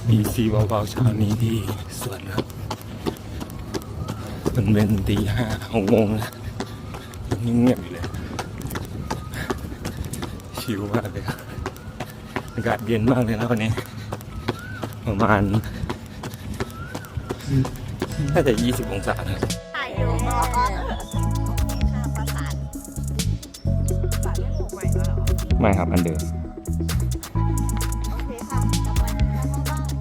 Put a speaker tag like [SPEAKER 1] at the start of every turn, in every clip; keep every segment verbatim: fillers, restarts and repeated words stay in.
[SPEAKER 1] มีซีเบาๆเช้านี้ที่สวนครับมันเป็นตีห้าหกโมงแล้วยังเงียบอยู่เลยชิลมากเลยครับอากาศเย็นมากเลยนะวันนี้ประมาณน่าจะยี่สิบองศาครับ
[SPEAKER 2] ถ่ายอยู่ค่ะประสานประสานไม่ถูกใหม่มาหรอ
[SPEAKER 1] ไม่ครับอันเดิม
[SPEAKER 2] โอเคค่ะกลับไปเข้าบ้าน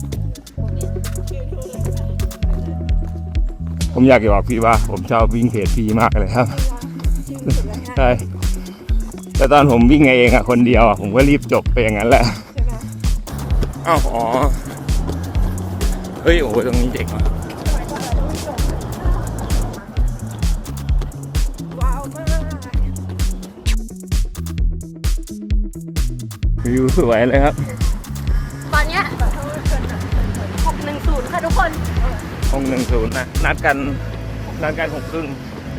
[SPEAKER 1] ผมอยากจะบอกพี่ว่าผมชอบวิ่งเพจพี่มากเลยครับใช่แต่ตอนผมวิ่งเองอะคนเดียวอะผมก็รีบจบไปอย่างนั้นแหละอ้าวอ๋อเฮ้ยโอ้โหตรงนี้เด็กมาก
[SPEAKER 2] ว้าวมาก
[SPEAKER 1] วิวสวยเลยครับ
[SPEAKER 2] ตอนเนี้ยหกหนึ่งศูนย์ค่ะทุกคน
[SPEAKER 1] หกหนึ่งศูนย์นะนัดกันนัดกันหกครึ่ง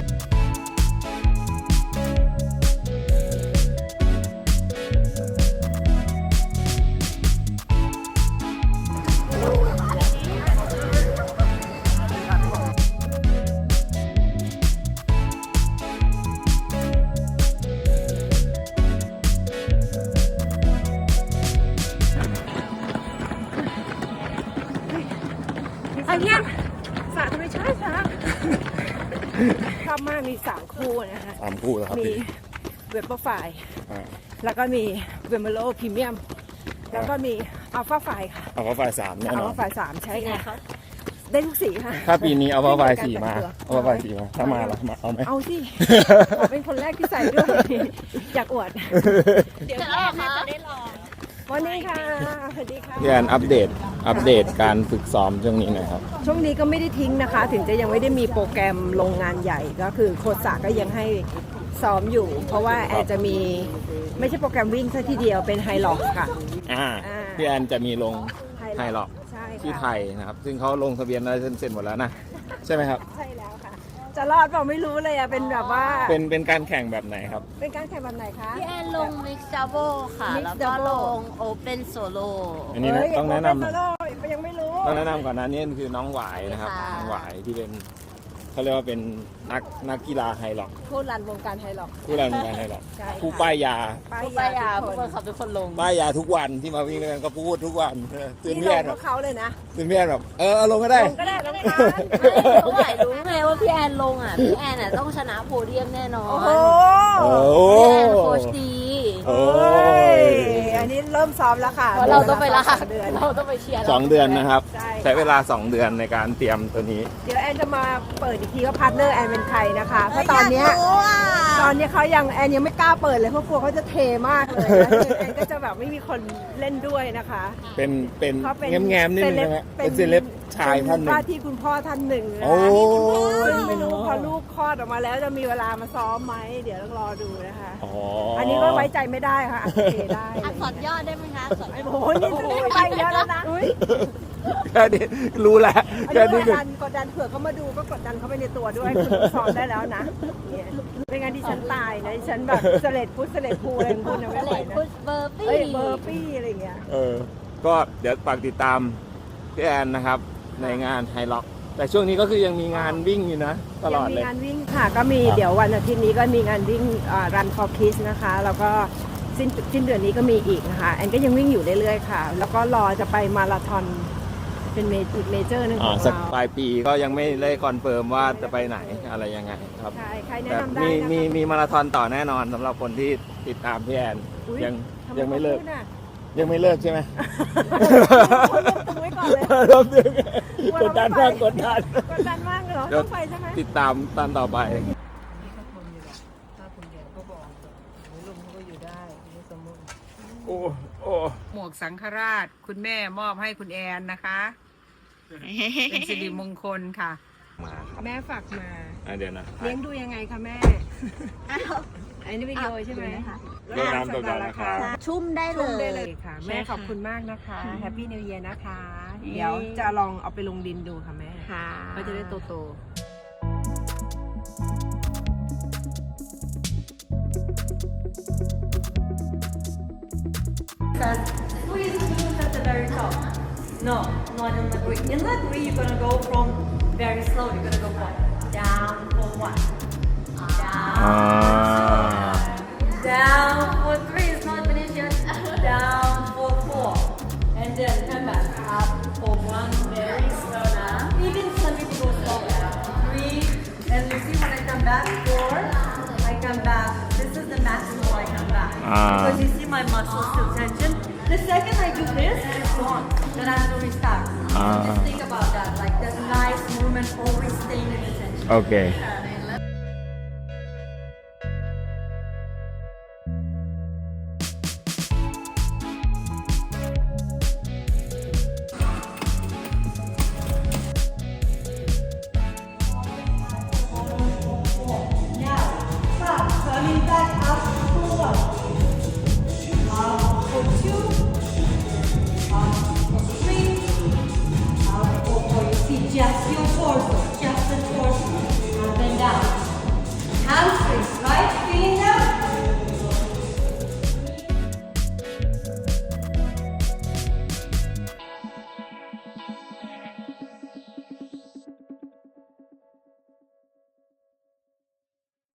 [SPEAKER 2] อันเนี้ยสระธรรมชาติค่ะชอบมากมีสามคู่นะคะ
[SPEAKER 1] สามคู่แล้วครับ
[SPEAKER 2] มีเวบเปอร์ไฟแล้วก็มีเวมเบโลพรีเมียมแล้วก็มีอัลฟาไฟค่ะ
[SPEAKER 1] อัลฟาไฟสามแน่นอน
[SPEAKER 2] อัลฟาไฟสามใช่ค่ะได้ทุกสีค่ะ
[SPEAKER 1] ถ้าปีนี้อัลฟาไฟสี่มาอัลฟาไฟสี่มาถ้ามาละมาเอาไหม
[SPEAKER 2] เอาสิเป็นคนแรกที่ใส่ด้วยอยากอวดเดี๋ยวแรกจะได้ลองวันนี้ค่ะสวัสดีค่ะ
[SPEAKER 1] พี่แอนอัปเดตอัปเดตการฝึกซ้อมช่วงนี้หน่อยครับ
[SPEAKER 2] ช่วงนี้ก็ไม่ได้ทิ้งนะคะถึงจะยังไม่ได้มีโปรแกรมลงงานใหญ่ก็คือโค้ชสาก็ยังให้ซ้อมอยู่เพราะว่าแอนจะมีไม่ใช่โปรแกรมวิ่งซะทีเดียวเป็นไฮล็อกค่ะ
[SPEAKER 1] อ่าพี่แอนจะมีลงไฮล็อกที่ไทยนะครับซึ่งเขาลงทะเบียนอะไรเสร็จหมดแล้วนะใช่ไหมครับ
[SPEAKER 2] ใช่แล้วค่ะจะรอดเปล่าไม่รู้เลยอะเป็นแบบว่า
[SPEAKER 1] เป็นเป็นการแข่งแบบไหนครับ
[SPEAKER 2] เป็นการแข่งแบบไหนคะ
[SPEAKER 3] พี่แอนลง Mix Double ค่ะแล้วก็ลง Open Solo
[SPEAKER 1] อันนี้นะต้องแนะนำ
[SPEAKER 2] ยังไม่รู้
[SPEAKER 1] ต้องแนะนำก่อนนะนี่คือน้องหวายนะครับน้องหวายที่เป็นเขาเรียกว่าเป็นนักนักกีฬาไฮล็อก
[SPEAKER 2] ผู้รันวงการไฮล็อก
[SPEAKER 1] ผู้รันวงการไฮล็อกผู้ป้ายยา
[SPEAKER 3] ผู้ป้ายยาผู้คนขับทุกคนลง
[SPEAKER 1] ป้ายยาทุกวันที่มาวิ่งด้วยกันก็พูดทุกวัน
[SPEAKER 2] ตื่นเต้นแบบเขาเลยนะ
[SPEAKER 1] ตื่นเต้นแบบเออลงก็ได้
[SPEAKER 2] ลงก็ได้ลงได้
[SPEAKER 3] เขาหมายรู้ไงว่าพี่แอนลงอ่ะพี่แอนอ่ะต้องชนะโพเดียมแน่นอน
[SPEAKER 2] โอ้โห
[SPEAKER 3] พี่แอนโค้ชดี
[SPEAKER 1] โอ้
[SPEAKER 2] ยอันนี้เริ่มซ้อมแล้วค่ะ
[SPEAKER 3] เราต้องไปละเดือนเราต้องไปเชียร์
[SPEAKER 1] สองเดือนนะครับใช้เวลาสองเดือนในการเตรียมตัวนี้
[SPEAKER 2] เดี๋ยวแอนจะมาเปิดอีกทีว่าพาร์ทเนอร์แอนเป็นใครนะคะเพราะตอนนี้ตอนนี้เขายังแอนยังไม่กล้าเปิดเลยเพราะกลัวเขาจะเทมากเลยแอนก็จะแบบไม่มีคนเล่นด้วยนะคะ
[SPEAKER 1] เป็นเป็นแง้มๆนิดนึงนะเป็นเซเลบชายท่านหนึ่ง
[SPEAKER 2] ว่าที่คุณพ่อท่านหนึ่งนะซึ่งไม่รู้พอลูกคลอดออกมาแล้วจะมีเวลามาซ้อมไหมเดี๋ยวต้องรอดูนะคะอันนี้ก็ไว้ใจไม่ได้ค่ะเทได้
[SPEAKER 3] อักษรย่อได้ไหมคะ
[SPEAKER 2] ไอ้โหนี่ไปเยอะแล้วนะ
[SPEAKER 1] แค่นี้รู้แล้ว
[SPEAKER 2] แค่นี้กดดันกดดันเผื่อเขามาดูก็กดดันเขาไปในตัวด้วยคุณซ้อมได้แล้วนะไม่งั้นดิฉันตายนะดิฉันแบบเสล็ดพุทธเสล็ดภูอะไรของคุณนะไม่ไหวนะ
[SPEAKER 3] เบอร์ปี้
[SPEAKER 2] เบอร์ปี้อะไรเงี้ย
[SPEAKER 1] เออก็เดี๋ยวฝากติดตามพี่แอนนะครับในงานไฮล็อกแต่ช่วงนี้ก็คือยังมีงานวิ่งอยู่นะตลอดเลย
[SPEAKER 2] มีงานวิ่งค่ะก็มีเดี๋ยววันอาทิตย์นี้ก็มีงานวิ่งรันฟอร์คิสนะคะแล้วก็สิ้นสิ้นเดือนนี้ก็มีอีกนะคะแอนก็ยังวิ่งอยู่เรื่อยๆค่ะแล้วก็รอจะไปมาราธอนเป็นเมจิเมเจอร์นึงของเรา
[SPEAKER 1] สักปลายปีก็ยังไม่ได้คอนเฟิร์มว่าจะไปไหนอะไรยังไงครับ
[SPEAKER 2] ใช่ใครแนะนำได้
[SPEAKER 1] มีมีมีมาราธอนต่อแน่นอนสำหรับคนที่ติดตามพี่แอนยังยังไม่เลิกยังไม่เลิกใช่ไหม
[SPEAKER 2] ไว้ก่อนเลย
[SPEAKER 1] กดดันมากกดดัน
[SPEAKER 2] กดดันมากเลยเหรอต้องไปใช่ไหม
[SPEAKER 1] ติดตามตอนต่อไปโอ้โอ้
[SPEAKER 2] หมวกสังฆราชคุณแม่มอบให้คุณแอนนะคะเป็นสิริมงคลค่ะแม่ฝากมา
[SPEAKER 1] เดี๋ยวนะ
[SPEAKER 2] เลี้ยงดูยังไงคะแม่อันนี้วิดีโอใช่ไหม
[SPEAKER 1] เรื่องน้ำตัวราคา
[SPEAKER 3] ชุ่มได้
[SPEAKER 2] เลยค่ะแม่ขอบคุณมากนะคะแฮปปี้นิวเยียร์นะคะเดี๋ยวจะลองเอาไปลงดินดูค่ะแม่ก็จะได้โตโตSqueeze at the very top.
[SPEAKER 4] No, not in the three. In the three, you're gonna go from very slow. You're gonna go from down for one, down,
[SPEAKER 1] อ่า
[SPEAKER 4] down for three. It's not finished yet. Down for four, and then come back up for one. Very slow now. Even some people go slow. Three, and you see when I come back four, I come back. This is the maximum I come back
[SPEAKER 1] Ah.
[SPEAKER 4] because you see my muscles still tension. The second I do this, it's gone. Then I have to restart.
[SPEAKER 1] Ah.
[SPEAKER 4] Just think about that. Like that nice movement, always staying in the tension.
[SPEAKER 1] โอเค
[SPEAKER 4] Now, stop. Coming back up for one. Up for two. Up for three. Up for four. You see, just your